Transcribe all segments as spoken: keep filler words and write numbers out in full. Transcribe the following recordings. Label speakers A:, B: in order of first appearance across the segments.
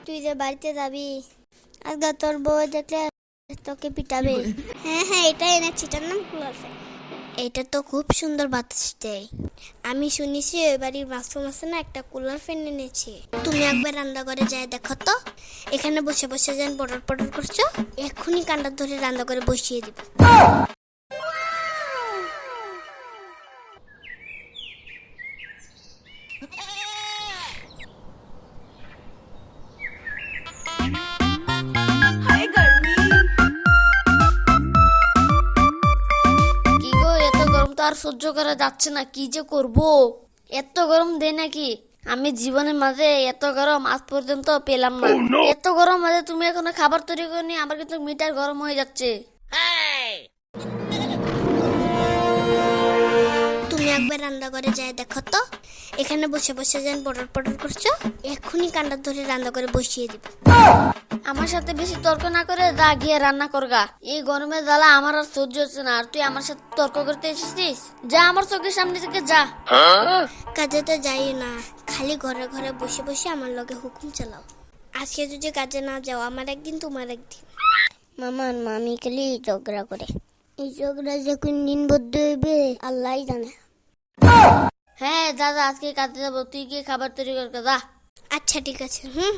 A: তুই যে বাড়িতে যাবি আজকে তোর বউ দেখলে তোকে পিটাবে। হ্যাঁ হ্যাঁ এটা এনেছি, এটার নাম কুলার ফ্যান। এটা তো খুব সুন্দর বাতাস দেয়। আমি শুনেছি ওই বাড়ির বাথরুম আছে না, একটা কুলার ফ্যান এনেছে। তুমি একবার রান্নাঘরে যায় দেখো তো, এখানে বসে বসে যেন পটর পটর করছো, এক্ষুনি কান্ডা ধরে রান্নাঘরে বসিয়ে দিব।
B: কি গো, এত গরম তো আর সহ্য করা যাচ্ছে না, কি যে করব। এত গরম দেয় নাকি? আমি জীবনের মাঝে এত গরম আজ পর্যন্ত পেলাম না। এত গরম মাঝে তুমি এখনো খাবার তৈরি করনি, আমার কিন্তু মিটার গরম হয়ে যাচ্ছে।
A: তুমি একবার রান্নাঘরে যায় দেখো তো, এখানে বসে বসে যেন পটর পটর করছো, এক্ষুনি কান্ডা ধরে রান্নাঘরে বসিয়ে দিব।
B: আমার সাথে বেশি তর্ক না করে যা গিয়ে রান্না করগা। এই গরমের জ্বালা আমার আর সহ্য হচ্ছে না, আর তুই আমার সাথে তর্ক করতে এসেছিস? যা আমার চোখের সামনে থেকে যা।
A: কাজে তো যাই না, খালি ঘরে ঘরে বসে বসে আমার লগে হুকুম চালাও। আজকে যদি কাজে না যাও, আমার একদিন তোমার একদিন। মামার মামি খালি ঝগড়া করে, এই ঝগড়া যে কোন দিন বদ্ধ হইবে আল্লাহ জানে।
B: হ্যাঁ দাদা, আজকে কাজে যাবো, তুই গিয়ে খাবার তৈরি কর যা।
A: আচ্ছা ঠিক আছে। হুম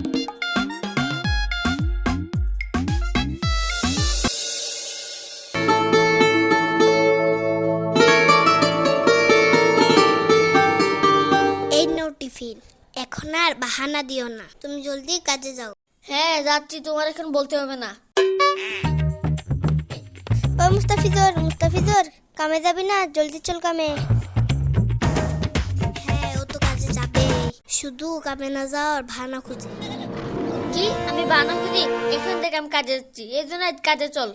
A: এই নাও টিফিন, এখন আর বাহানা দিও না, তুমি জলদি কাজে যাও।
B: হ্যাঁ যাচ্ছি, তোমার এখন বলতে হবে না।
A: ও মুস্তাফিজুর, মুস্তাফিজুর কামে যাবি না? জলদি চল কামে। হ্যাঁ ও তো কাজে যাবে, শুধু কামে না যাওয়ার বাহানা খুঁজে।
B: কি আমি বানা করি? এখান থেকে আমি কাজে যাচ্ছি, এই জন্য আজ কাজে চল।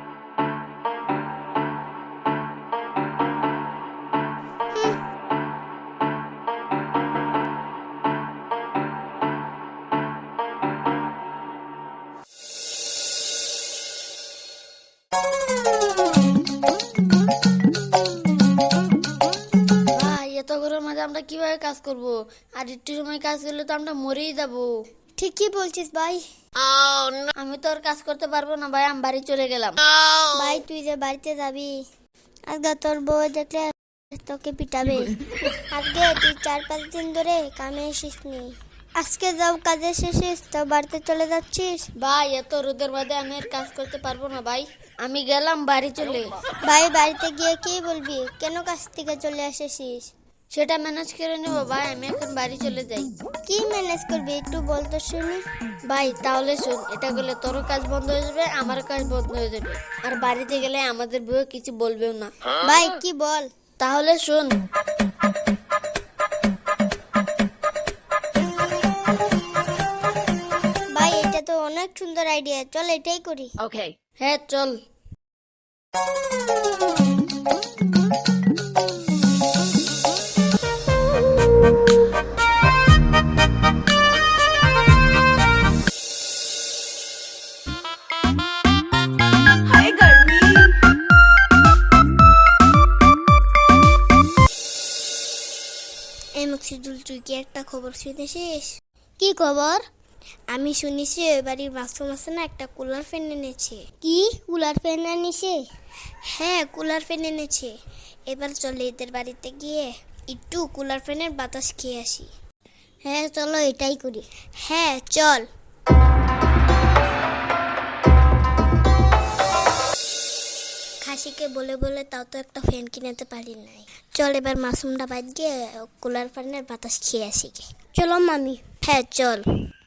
B: ভাই এত গরমের মাঝে আমরা কিভাবে কাজ করব? আর একটু সময় কাজ করলে তো আমরা মরেই যাবো।
A: ঠিকই বলছিস ভাই।
B: আমি তো আর কাজ করতে পারবো না ভাই, আমি বাড়ি চলে গেলাম।
A: ভাই তুই যে বাড়িতে যাবি আজকে তোর বউ দেখলে তোকে পিটাবে। আজকে তুই চার পাঁচ দিন ধরে কামে এসিসনি, আজকে যাও কাজে শেষিস তো বাড়িতে চলে যাচ্ছিস।
B: ভাই এত রোদের মধ্যে আমি আর কাজ করতে পারবো না ভাই, আমি গেলাম বাড়ি চলে।
A: ভাই বাড়িতে গিয়ে কি বলবি, কেন কাজ থেকে চলে আসিস?
B: সেটা ম্যানেজ করে নেবো ভাই, আমি এখন বাড়ি চলে যাই।
A: কি ম্যানেজ করবি একটু বলতো শুনি।
B: ভাই তাহলে শোন, এটা করলে তোরও কাজ বন্ধ হয়ে যাবে, আমারও কাজ বন্ধ হয়ে যাবে, আর বাড়িতে গেলে আমাদের বউ কিছু বলবেও না।
A: ভাই কি বল?
B: তাহলে শোন,
A: ভাই এটা তো অনেক সুন্দর আইডিয়া, চল এটাই করি।
B: হ্যাঁ চল।
A: এই মকসিদুল, তুই কি একটা খবর শুনেছিস? কি খবর? আমি শুনেছি ওই বাড়ির বাথরুম আছে না, একটা কুলার ফ্যান এনেছে। কি কুলার ফ্যান এনেছে? হ্যাঁ কুলার ফ্যান এনেছে। এবার চলে এদের বাড়িতে গিয়ে একটু কুলার ফ্যানের বাতাস খেয়ে আসি। হ্যাঁ চলো এটাই করি। হ্যাঁ চল। খাসিকে বলে বলে তাও তো একটা ফ্যান কিনতে পারি নাই। চল এবার মাসুমটা বাদ গিয়ে কুলার ফ্যানের বাতাস খেয়ে আসি। চলো মামি। হ্যাঁ চল।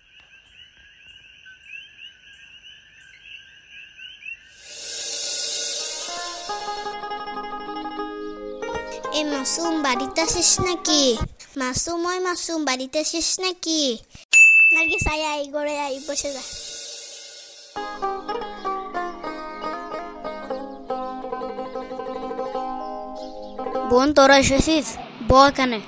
A: এই মাসুম বাড়িতে আসিস নাকি? মাসুম ওই মাসুম বাড়িতে আসিস নাকি? নার্গিস আয় আয়, গড়ে আয়, বসে যা।
B: বোন তোরা এসেছিস, ব এখানে।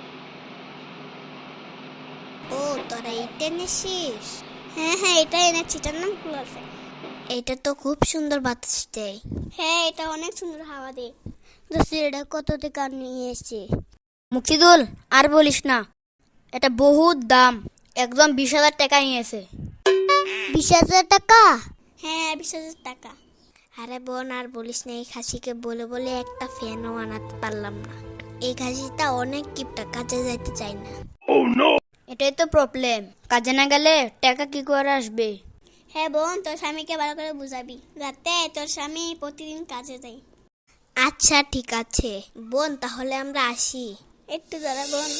A: ও তোরা এটা এনেছিস? হ্যাঁ হ্যাঁ এটা এনেছি, এটার নাম কুলার ফ্যান। এটা তো খুব সুন্দর বাতাস দেয়। হ্যাঁ এটা অনেক সুন্দর হাওয়া দেয়। এটা কত টাকা নিয়ে এসেছি?
B: মুক্তিদুল আর বলিস না, এটা বহুত দাম, একদম বিশ হাজার টাকা নিয়েছে।
A: বিশ হাজার টাকা? হ্যাঁ, বিশ হাজার টাকা। আরে বোন, আর বলিস না, এই খাসিকে বলে বলে একটা ফ্যানও আনাতে পারলাম না। এই খাসিটা অনেক কিপটা, কাজে যাইতে চাই না।
B: এটাই তো প্রবলেম, কাজে না গেলে টাকা কি করে আসবে?
A: হ্যাঁ বোন, তোর স্বামীকে ভালো করে বুঝাবি যাতে তোর স্বামী প্রতিদিন কাজে যায়। আচ্ছা ঠিক আছে বোন, তাহলে আমরা আসি। একটু দাঁড়া বোন।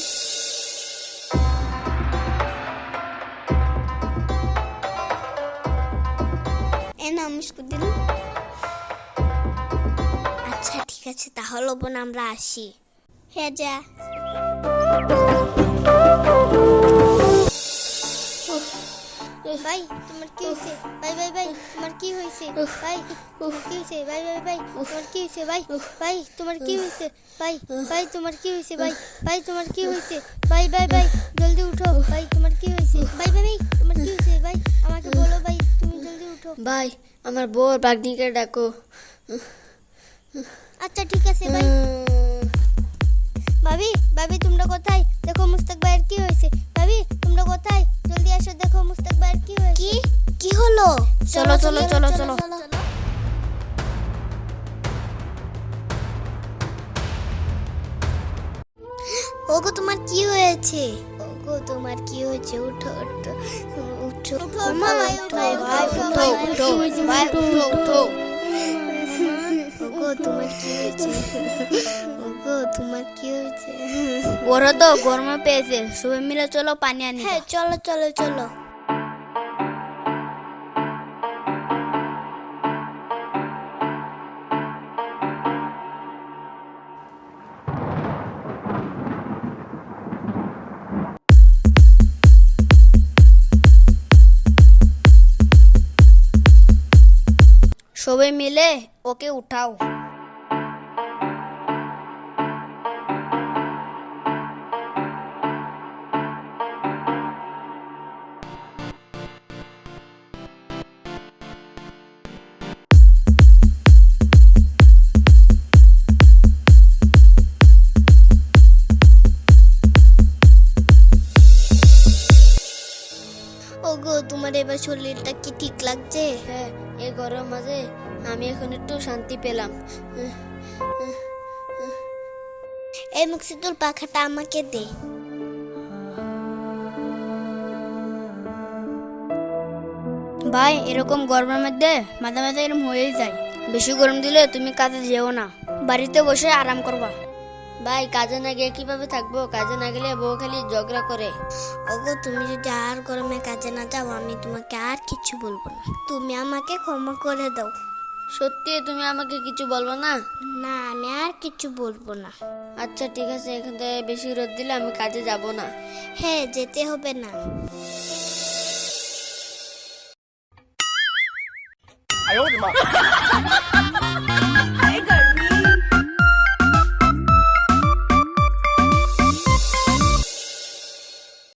A: এ না মুস্কুর দিল। আচ্ছা ঠিক আছে, তাহলে বোন আমরা আসি। হ্যাঁ যা। ভাই তোমার কি হয়েছে? ভাই ভাই ভাই তোমার কি হয়েছে? ভাই তোমার কি হয়েছে? ভাই ভাই ভাই তোমার কি হয়েছে? ভাই ভাই তোমার কি হয়েছে? ভাই ভাই তোমার কি হয়েছে? ভাই ভাই তোমার কি হয়েছে? ভাই ভাই ভাই জলদি উঠো। ভাই তোমার কি হয়েছে? ভাই ভাই ভাই তোমার কি হয়েছে? ভাই আমাকে বলো, ভাই তুমি জলদি উঠো।
B: ভাই আমার বউ বাগনিকে ডাকো।
A: আচ্ছা ঠিক আছে ভাই। ভাবি ভাবি তোমরা কোথায়? দেখো মুস্তাক ভাইয়ের কি হয়েছে। ভাবি তোমরা কোথায়? জলদি আসো, দেখো মুস্তাক ভাইয়ের কি হয়েছে। কি কি হলো?
B: চলো চলো চলো চলো।
A: ওগো তোমার কি হয়েছে? ওগো তোমার কি হয়েছে? উঠো উঠো উঠো উঠো ভাই উঠো ভাই উঠো উঠো ভাই উঠো উঠো। ওগো তোমার কি হয়েছে? ওগো তোমার কি হয়েছে?
B: ওরা তো গরমে পেয়েছে, সবাই মিলে চলো পানি আনি।
A: হ্যাঁ চলো চলো চলো।
B: সবাই মিলে ওকে উঠাও।
A: ওগো তোমার এবার শরীরটা কি ঠিক লাগছে?
B: হ্যাঁ, এই গরম মাঝে আমি এখন একটু শান্তি পেলাম।
A: এই মুক্তিদুল পাখাটা আমাকে দে।
B: ভাই এরকম গরমের মধ্যে মাঝে মাঝে এরকম হয়েই যায়। বেশি গরম দিলে তুমি কাজে যেও না, বাড়িতে বসে আরাম করবা। ভাই কাজে না গিয়ে কিভাবে থাকবো? কাজে না গেলে বউ খালি ঝগড়া করে।
A: ওগো তুমি যদি আর গরমে কাজে না যাও, আমি তোমাকে আর কিছু বলবো না। তুমি আমাকে ক্ষমা করে দাও।
B: সত্যি তুমি আমাকে কিছু বলবো না?
A: না, আমি আর কিছু বলবো না।
B: আচ্ছা ঠিক আছে, এখান থেকে বেশি রোদ দিলে আমি কাজে যাব না।
A: হ্যাঁ যেতে হবে না।
C: 哎呦我的妈！